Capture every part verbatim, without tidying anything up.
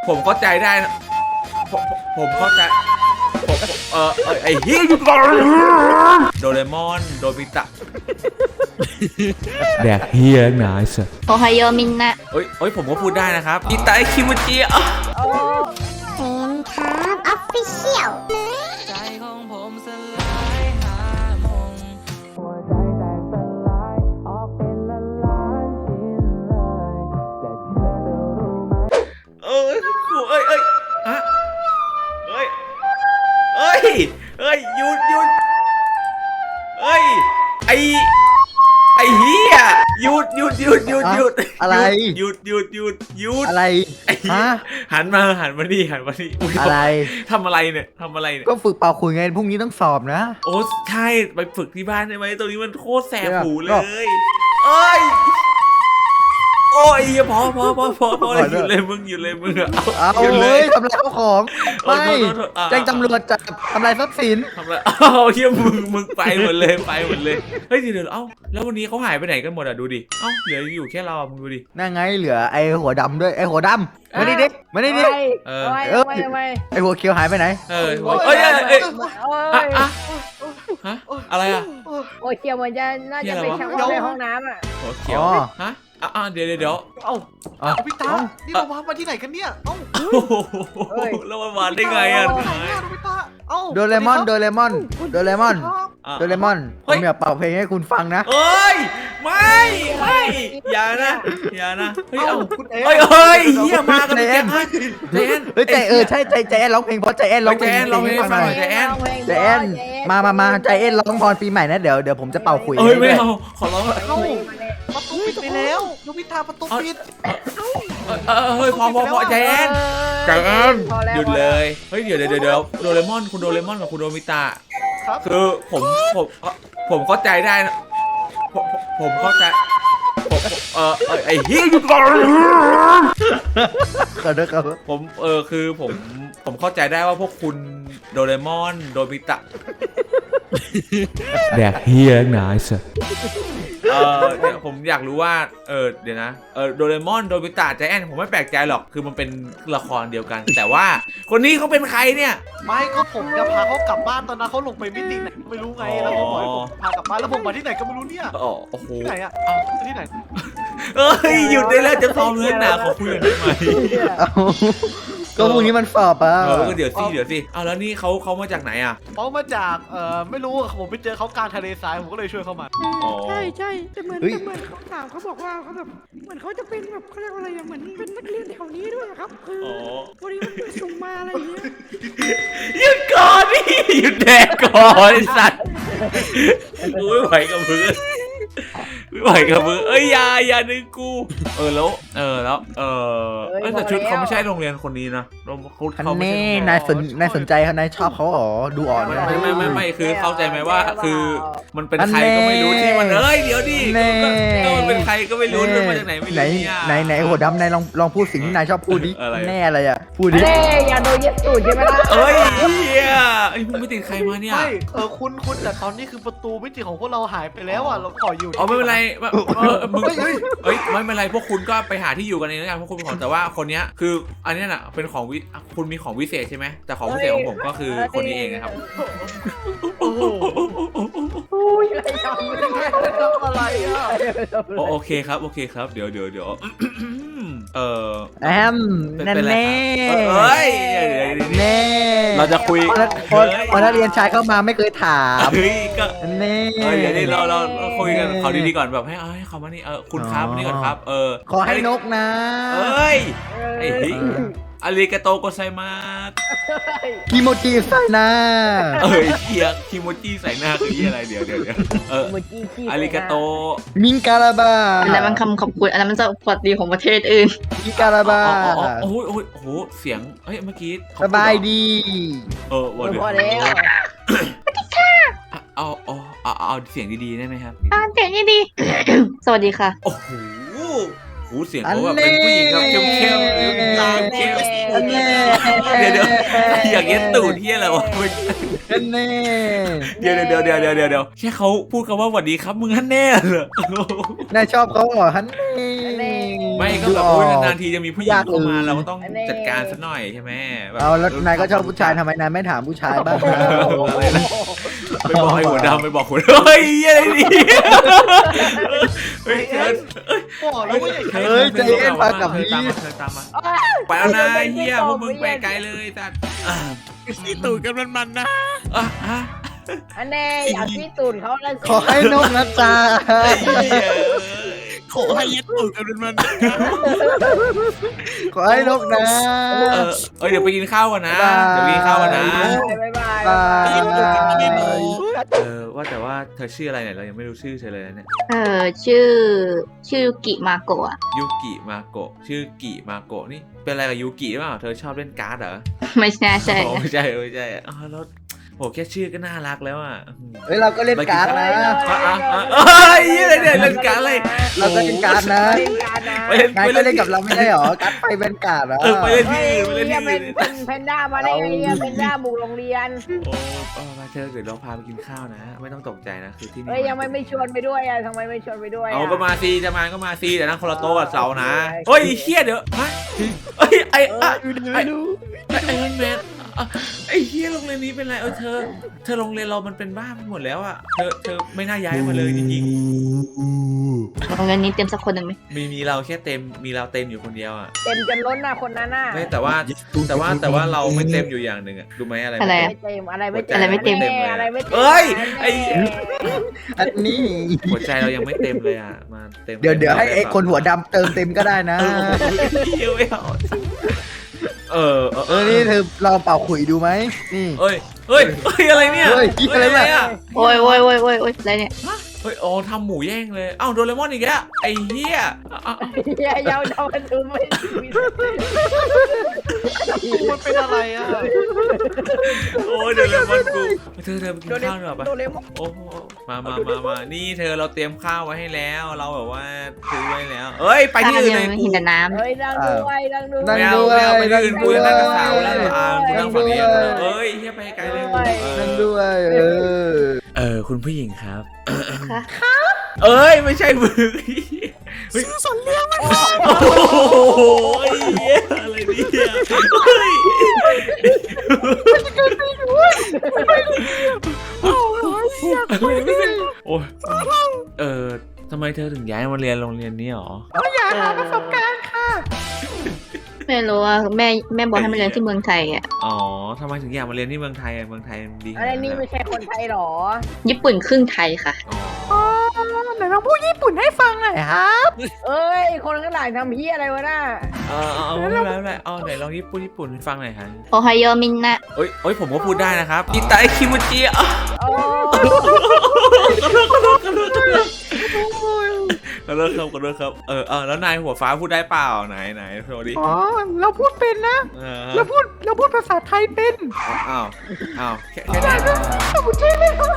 ผมเข้าใจได้นะผมผมเข้าใจผมเออไอ้เฮียโดเรมอนโดบิตะแดกเฮียหนาสิโอไฮโอมินนะเอ้ยเอ้ยผมก็พูดได้นะครับอิตาคิมุจิอ่ะเซนครับออฟฟิเชียลใจของผมสลายหามงหัวใจแตกสลายออกเป็นละล้านชิ้นเลยแต่เธอจะรู้ไหมเอ้ยเอ้ยเอ้ยอะเอ้ยเอ้ยเอ้ยหยุดหยุดเอ้ยไอไอเฮียหยุดหยุดหยุดหยุดหยุดอะไรหยุดหยุดหยุดหยุดอะไรไอ้เหี้ยฮะหันมาหันมานี่หันมานี่ยอะไรทำอะไรเนี่ยทำอะไรเนี่ยก็ฝึกเป่าขลุ่ยไงพรุ่งนี้ต้องสอบนะโอ้ใช่ไปฝึกที่บ้านได้ไหมตรงนี้มันโคตรแสบหูเลก็ยเอ้ยโอ้ยพอพอพอพอพอเลยหยุดเลยมึงหยุดเลยมึงอะเอาหยุดเลเฮ้ยยทำลายข้าวของโอ้ไม่โทษโทษโทษอ่ะแจ้งตำรวจจับทำลายทรัพย์สินทำอะไรอ้าวเฮียมึงมึงไปหมดเลยไปหมดเลยเฮ้ยเดี๋ยวเดี๋ยวเอ้าแล้ววันนี้เขาหายไปไหนกันหมดอ่ะดูดิเอ้าเหลืออยู่แค่เราอ่ะมึงดูดินั่นไงเหลือไอ้หัวดำด้วยไอ้หัวดำมาดิดิมาดิดิเออเออไอ้หัวเขียวหายไปไหนเออเอ้ยเอ้ยเอ้ยอ่ะอ่ะฮะอะไรอ่ะโอ้ยเกี่ยวเหมือนจะน่าจะเป็นช่างในห้องน้ำอ่ะหัวเขียวฮะอ่ะอ่ะเดี๋ยวเดี๋ยวเดี๋ยวเอ้าอ่ะพี่ตานี่เรามาที่ไหนกันเนี่ย เอ้าโอ้โหแล้วมันมาได้ไงอ่ะไหนอะพี่ตาเอ้าโดเรมอนโดเรมอนโดเรมอนอ่ะโดเรมอนผมอยากเป่าเพลงให้คุณฟังนะเอ้ยไม่ไม่อย่านะอย่านะเฮ้ยเอ้าเอาคุณเอ๋เฮ้ยเฮ้ยเฮียมากันเป็นแก๊งฮะเจนเฮ้ยใจเออใช่ใจใจแอนร้องเพลงเพราะใจแอนร้องเพลงใจแอนร้องเพลงให้ฟังหน่อยใจแอนมามามาใจแอนร้องพรปีใหม่นะเดี๋ยวเดี๋ยวผมจะเป่าขลุ่ยเอ้ยไม่ให้เอาขอร้องเเอ้าประตูปิดไปแล้วแล้วพี่ตาประตูปิดเออเฮ้ยพอพอพอใจแอนใจแอนหยุดเลยเฮ้ยเดี๋ยวเดี๋ยวเดี๋ยวโดเรมอนคุณโดเรมอนกับคุณโดมิตะครับคือผมผมผมเข้าใจได้นะผมผมเข้าใจผมเออไอ้เฮียหยุดก่อนขอโทษครับผมเออคือผมผมเข้าใจได้ว่าพวกคุณโดเรมอนโดมิตะแดกเฮียหนาสิเออเนี่ยผมอยากรู้ว่าเออเดี๋ยวนะเออโดเรมอนโดมิตะใจแอนผมไม่แปลกใจหรอกคือมันเป็นละครเดียวกัน แต่ว่าคนนี้เขาเป็นใครเนี่ยไม่ก็ผมจะพาเขากลับบ้านตอนนั้นเขาลงไปมิติไหนไม่รู้ไงแล้วผมบอกให้ผมพากลับบ้านแล้วผมมาที่ไหนก็ไม่รู้เนี่ยอ๋อโอ้โหที่ไหนอะที่ไหนเอ้ยหยุดได้แล้วจะซ้อมเรื่องหนาขอคุยกันได้ไหมเอาก็พรุ่งนี้มันสอบอ่ะเออก็เดี๋ยวสิเดี๋ยวสิเอาแล้วนี่เขาเขามาจากไหนอ่ะเขามาจากเอ่อไม่รู้ผมไปเจอเขากลางทะเลทรายผมก็เลยช่วยเขามาอ๋อใช่ใช่แต่เหมือนแต่เหมือนเขาถามเขาบอกว่าเขาแบบเหมือนเขาจะเป็นแบบเขาเรียกว่าอะไรอะเหมือนเป็นนักเรียนแถวนี้ด้วยครับคืออ๋อวันนี้มันไปส่งมาอะไรอย่างเงี้ยหยุดก่อนนี่หยุดแดกก่อนไอ้สัตว์กูไม่ไหวกับมึงไม่ไหวกับมึงเอ้ยอยาอย่าดึงกูเออแล้วเออแล้วเออเอ้ยแต่ชุดเขาไม่ใช่โรงเรียนคนนี้นะเขาอันเขาไม่นี้ใช่นายสนนายสนใจเขานายชอบเขาอ๋อดูอ่อนไม่นะไม่ไม่ไม่ไม่คือเข้าใจไหมว่าคือมันเป็นใครก็ไม่รู้ที่มันเอ้ยเดี๋ยวดิแน่ก็มันเป็นใครก็ไม่รู้มันมาจากไหนไม่ไหนรู้เนี่ยไหนไหนหัวดำนายลองลองพูดสิ่งที่นายชอบพูดดิอะไรแน่อะไรอ่ะพูดดิเล่อย่าโดนเย็ดตูดใช่ไหมล่ะเอ้ยเฮียไอ้มึงไปติดใครมาเนี่ยไม่เออคุณคุณแต่ตอนนี้คือประตูมิติของพวกเราหายไปแล้วอ่ะเราขออยู่อ๋อไม่เป็นไรเออมึงเฮ้ยเอ้ยไม่เป็นไรพวกคุณก็ไปหาที่อยู่กันเองแล้วกันพวกคุณขอแต่ว่าคนเนี้ยคืออันเนี้ยน่ะเป็นของวิคุณมีของวิเศษใช่ไหมแต่ของวิเศษของผมก็คือคนนี้เองนะครับโอ้โหอุ้ยอะไรทำไม่ได้ทำอะไรอ่ะโอโอเคครับโอเคครับเดี๋ยวเดี๋ยวเดี๋ยวเออแอมเป็นแน่เป็นไรแน่ครับเอ้ยเดี๋ยวเดี๋ยวเดี๋ยวแน่เราจะคุยพอพอพอนักเรียนชายเข้ามาไม่เคยถามเฮ้ยก็แน่เออเดี๋ยวนี้เราเราเราคุยกันเขาดีๆก่อนแบบให้เออให้เขามานี่เออคุณครับนี่ก่อนครับเออขอให้นกนะเอ้ยไอ้เฮ้ยอาริกาโตโกไซมาสกิโมจิใส่นะเอ้ยเฮียคิโมจิใส่หน้าคือเฮียอะไรเดี๋ยวเดี๋ยวเดี๋ยวเออเมื่อกี้ขี้อาริกาโตมิงการาบาอันนั้นมันคำขอบคุณอันนั้นมันจะสวัสดีของประเทศอื่นมิงการาบาอ๋ออ๋อโอ้โหโอ้โหโอ้โหเสียงเฮ้ยเมื่อกี้เขสบายดีเออวันเดียวพอแล้วเอาเอาเอาเอาเสียงดีๆได้ไหมครับอ่าเสียงนี่ดี สวัสดีค่ะโอ้โหโหเสียงเขาแบบเป็นผู้หญิงแบบเข้มเข้มๆตาเข้มอันแน่เดี๋ยวเดี๋ยวอยากเย็นตูดเฮียอะไรวะอันแน่เดี๋ยวเดี๋ยวเดี๋ยวเดี๋ยวเดี๋ยวเดี๋ยวแค่เขาพูดคำว่าสวัสดีครับมึงฮั่นแน่เหรอนายชอบเขาเหรอฮันแน่แน่ไม่ก็แบบดูออกโอ้ยนานๆทีจะมีผู้หญิงเข้ามาอยากเลยเราก็ต้องจัดการสักหน่อยใช่ไหมแบบเอาแล้วนายก็ชอบผู้ชายทำไมนายไม่ถามผู้ชายบ้างนะอะไรนะไปบอกให้หัวดำไปบอกหัวดำเฮ้ยอะไรนี่เฮ้ยเธอบอกแล้วว่าอย่าใช้เฮ้ยใจเย็นมากับเธอพี่ตามมาเธอตามมาไปแล้วนะเฮียพวกมึงไปไกลเลยสัตว์อ่ะซีตูดกันมันมันๆนะอ่ะอ่ะอันแน่อยากที่ตูดเขาแล้วสิขอให้นกนะจ๊ะขอให้ยัดตูดกันมันมันๆนะขอให้นกนะเออเอ้ยเดี๋ยวไปกินข้าวกันนะ เดี๋ยวไปกินข้าวกันนะบ๊ายบายบายเออว่าแต่ว่าเธอชื่ออะไรเนี่ยเรายังไม่รู้ชื่อเธอเลยนะเนี่ยเออชื่อชื่อยูกิมาโกะยูกิมาโกะชื่อกิมาโกะนี่เป็นอะไรกับยูกิหรือเปล่าเธอชอบเล่นการ์ดเหรอไม่ใช่ใช่อ๋อไม่ใช่ไม่ใช่อ๋อแล้วโหแค่ชื่อก็น่ารักแล้วอ่ะเฮ้ยเราก็เล่นการ์ดนะอ่ะอ่ะอ่ะเอ้ยอะไรเนี่ยเล่นการ์ดอะไรเราก็เล่นการ์ดนะเล่นการนะไปเล่นนายไปก็เล่นเล่นกับเราไม่ได้หรอการ์ดไปเป็นการ์ดเหรอเออไปเล่นที่เฮ้ยอื่นไปเล่นเฮีที่ยเป็อื่นนเป็นแพนด้ามาได้ไงเนี่ยแพนด้าบุกโรงเรียนโอ้เออมาเธอเดี๋ยวเราพาไปกินข้าวนะ ไม่ต้องตกใจนะคือที่นี่เฮ้ยยังไม่ไม่ชวนไปด้วยอ่ะทำไมไม่ชวนไปด้วยะเอาก็มาซีจะมาก็มาซีแต่นั่งคนละโต๊ะกับเสานะเฮ้ยเฮียเดี๋ยวฮะเฮ้ยไอ้ไอ้ไม่รู้ไอ้ไอ้แมนอ่ะไอ้เฮียโรงเรียนนี้เป็นไรเออเธอเธอโรงเรียนเรามันเป็นบ้าไปหมดแล้วอ่ะเธอเธอไม่น่าย้ายมาเลยจริงโรงเรียนนี้เต็มสักคนหนึ่งไหมๆมีมีเราแค่เต็มมีเราเต็มอยู่คนเดียวอ่ะเต็มจนล้นน่ะคนนั้นน่ะไม่แต่ว่าแต่ว่าแต่ว่าเราไม่เต็มอยู่อย่างหนึ่งอ่ะรู้ไหมอะไรอะไรม่อะไม่เต็มอะไรไม่เต็มอะไรไม่เต็มแน่อะไรไม่เต็มเอ้ยไอ้อันนี้หัวใจเรายังไม่เต็มเลยอ่ะมาเต็มเดี๋ยวเดี๋ยวให้ไอ้คนหัวดำเติมเต็มก็ได้นะเออเดี๋ยวไม่เอาเออเออเออนี่เธอลองเป่าขุยดูไหมนี่เอ้ยเฮ้ยเฮ้ยอะไรเนี่ยเฮ้ยอะไรเนี่ยโอ้ยโอ้ยโอ้ยโอ้ยโอ้ยอะไรเนี่ยเฮ้ยอ๋อทำหมูแย่งเลยเอ้าโดเรมอนอีกแล้วไอ้เหี้ยอ่ะเฮียยาวๆมันดูไม่มีมันเป็นอะไรอ่ะโอ้ยโดเรมอนกูเธอเธอไปกินข้าวหน่อยปะโดเรมอนโอ้โหมามามามานี่เธอเราเตรียมข้าวไว้ให้แล้ว เราแบบว่าซื้อไว้แล้ว เอ้ยไปที่อื่นเลยไม่กูเห็นแต่น้เฮ้ยนั่งด้วยนั่งด้วยนั่ไม่งเอาด้วยไม่เอาไปที่อื่นกูจะนั่งกับสาวแล้วนั่งด้วยอ่ากูนั่งฝั่งนี้นั่งด้วยเอ้ยเฮียไปไกลเลยนั่นด้วยเออเออคุณผู้หญิงครับำค่ะเอ้ยไม่ใช่มึงซื้อสนเลี้ยงมันโอ้โหเหี้ยอะไรเนี่ยเฮ้ยโอ้ยเออทำไมเธอถึงย้ายมาเรียนโรงเรียนนี้หรออยากหาประสบการณ์ค่ะไม่รู้ว่าแม่แม่บอกให้มาเรียนที่เมืองไทยอ่ะอ๋อทำไมถึงอยากมาเรียนที่เมืองไทยอะเมืองไทยมันดีขอะนาดไรนั้นนี่อะไม่ใช่คนไทยหรอญี่ปุ่นครึ่งไทยค่ะอ๋ออ๋อไหนลองพูดญี่ปุ่นให้ฟังหน่อยครับเอ้ยคนข้างหลังทำเฮียอะไรวะน่ะเออเอาเอาไม่เป็นไรไม่เป็นไรเอาไหนลองญี่ปุ่นญี่ปุ่นให้ฟังหน่อยฮะโอไฮโอมินนะเอ้ยเอ้ยผมก็พูดได้นะครับอิตาคิมุจิอ่ะโอ้ขอโทษขอโทษขอโทษขอโทษขอโทษครับขอโทษครับเออเออแล้วนายหัวฟ้าพูดได้เปล่าไหนไหนโชว์ดิอ๋อเราพูดเป็นนะเออเราพูดเราพูดภาษาไทยเป็นอ้าวอ้าวแค่แค่นี้ผมใช่ไหมครับ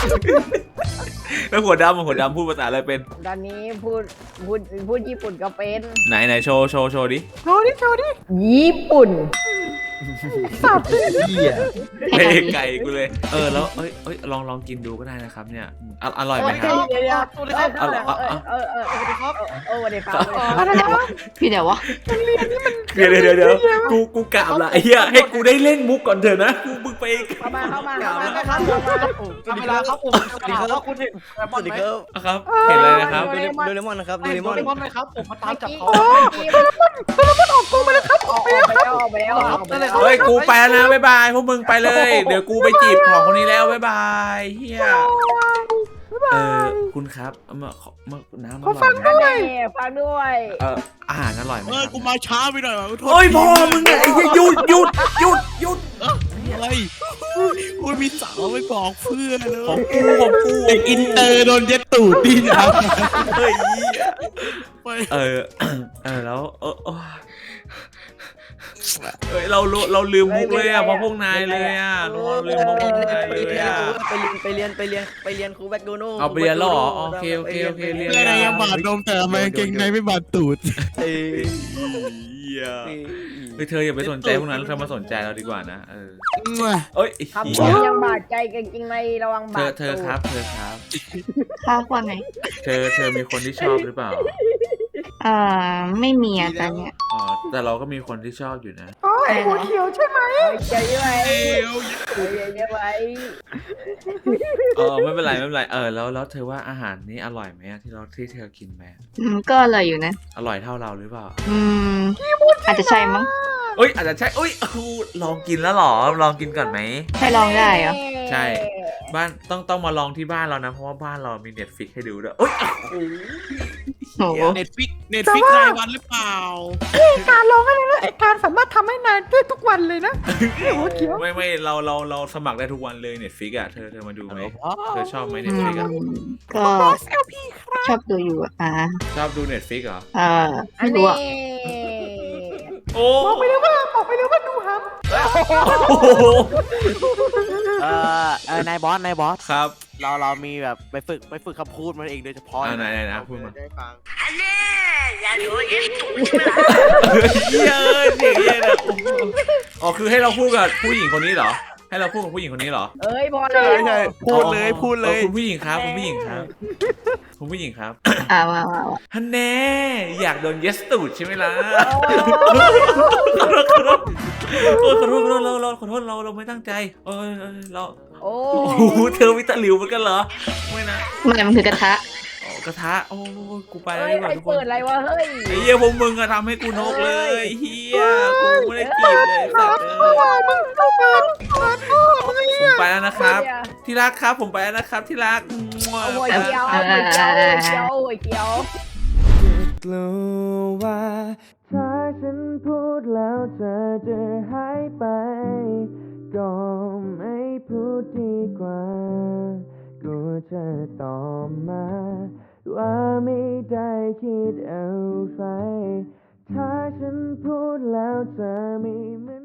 แล้วหัวดำหัวดำพูดภาษาอะไรเป็นตอนนี้พูดพูดพูดญี่ปุ่นก็เป็นไหนไหนโชว์โชว์โชว์ดิโชว์ดิโชว์ดิญี่ปุ่นสับเหี้ยเฮ้ไก่กูเลยเออแล้วเอ้ยเอ้ยลองลองกินดูก็ได้นะครับเนี่ยออร่อยไหมครับเดี๋ยวเดี๋ยวสวัสดีครับเออเออเออเออสวัสดีครับเออสวัสดีครับอะไรนะพี่เดี๋ยววะเดี๋ยวเดี๋ยวเดี๋ยวกูกูกราบละไอ้เหี้ยให้กูได้เล่นมุกก่อนเถอะนะกูมึงไปเข้ามาเข้ามาครัเข้าบมาคเข้ารับมาทำเวลาครับผมสวัสดีครับคุณเห็นสวัสดีครับอ่ะครับเห็นเลยนะครับโดเรมอนโดเรมอนนะครับโดเรมอนโดเรมอนไหมครับผมมาตามจับเขาโอ้ยออกไปแล้วออกไปแล้วออกไปแล้วออกไปแล้วเฮ้ยกูไปแล้วนะบ๊ายบายพวกมึงไปเลย เดี๋ยวกูไปจีบของคนนี้แล้วบ๊ายบายเฮียเออคุณครับเอามาขอมาน้ำอร่อยไหมฟังด้วยเอออาหารอร่อยไหมเออครับกูมาช้าไปหน่อยว่ะขโทษเฮ้ยพ่อมึงเนี่ยไอ้เหี้ยหยุดหยุดหยุดหยุดอะไรกูมีสาวไม่บอกเพื่อนเลของยกูของกูเด็กอินเตอร์โดนเย็ดตูดดีนะเฮ้ยไปเออเออแล้วเออเฮ้ยเราเราลืมมุกเลยอ่ะเพราะพวกนายเลยอ่ะเราลืมมุกพวกนายเลยอ่ะไปเรียนไปเรียนไปเรียนไปเรียนครูแบคโดนัลเอาไปเรียนแล้วเหรอโอเคโอเคโอเคเรียนเพื่อนยังบาดนมแต่ทำไมกางเกงในไม่บาดตูดเอ้ยเหี้ยเฮ้ยเธออย่าไปสนใจพวกนั้นเธอมาสนใจเราดีกว่านะเออมั่วเอ้ยคำเหี้ยยังบาดใจกันจริงในระวังเธบาอดเธอครับเธอครับข้าวว่าไงเธอเธอมีคนที่ชอบหรือเปล่าอ่าไม่มีอ่ะตอนเนี้ยอ๋อแต่เราก็มีคนที่ชอบอยู่นะอ๋อไอ้หัวเขียวใช่ไหมใจไว้ใจไว้เออไม่เป็นไรไม่เป็นไรเออแล้วแล้วเธอว่าอาหารนี้อร่อยไหมอะที่เราที่เธอกินไปอะอืมก็อร่อยอยู่นะอร่อยเท่าเราหรือเปล่าอืมอาจจะใช่มั้งเอ้ยอาจจะใช่เอ้ยอู้ลองกินแล้วเหรอลองกินก่อนไหมให้ลองได้เหรอใช่บ้านต้องต้องมาลองที่บ้านเรานะเพราะว่าบ้านเรามีเน็ตฟิกให้ดูด้วยเอ้ยโอ้โหเน็ตฟิกเน็ตฟิกรายวันหรือเปล่าการลองอะไรนะไอ้การสามารถทำให้นายได้ทุกวันเลยนะไอ้หัวเขียวไม่ไม่เราเราเราสมัครได้ทุกวันเลยเน็ตฟิกอะเธอเธอมาดูไหมเธอชอบไหมเน็อืตมฟิกอะก็ชอบดูอยู่อะอ่าชอบดูเน็ตฟิกเหรออ่าไม่รู้อ่ะโอ้บอกไปเลยว่าบอกไปเลยว่าดูฮัมโอ้โหเออเออนายบอสนายบอสครับเราเรามีแบบไปฝึกไปฝึกคำพูดมันเองโดยเฉพาะอ่าไหนไหนนะพูดมาได้ฟังเหี้ยเอ้ยเสียงเหี้ยนะโอ้โหอ๋อคือให้เราพูดกับผู้หญิงคนนี้เหรอ ให้เราพูดกับผู้หญิงคนนี้เหรอเอ้ยพอใช่ใช่พูดเลยพูดเลยออคุณผู้หญิงครับคุณผู้หญิงครับคุณผู้หญิงครับอ่ามามามาฮันแน่อยากโดนเยสตูดใช่ไหมล่ะขอโทษขอโทษโอ้ยขอโทษขอโทษเราเราขอโทษเราเราไม่ตั้งใจเออเออเราโอ้โอ้โหเธอวิตาหลิวเหมือนกันเหรอไม่นะไม่มันคือกระทะอ๋อกระทะโอ้ยกูไปแล้วดีกว่าทุกคนอะไรวะเฮ้ยไอ้เหี้ยพวกมึงอะทำให้กูนกเลยเฮียกูไม่ได้กีบเลยสัตว์เลยมึงเข้ามาขอโทษมึงผมไปแล้วนะครับ ที่รักครับผมไปแล้วนะครับที่รักมั่วหัวเขียวหัวเขียวหัวเขียวหัวเขียวกลัวว่าถ้าฉันพูดแล้วเธอจะหายไป ก็ไม่พูดดีกว่า กูจะตอบมาว่าไม่ได้คิดอะไร ถ้าฉันพูดแล้วเธอไม่เหมือน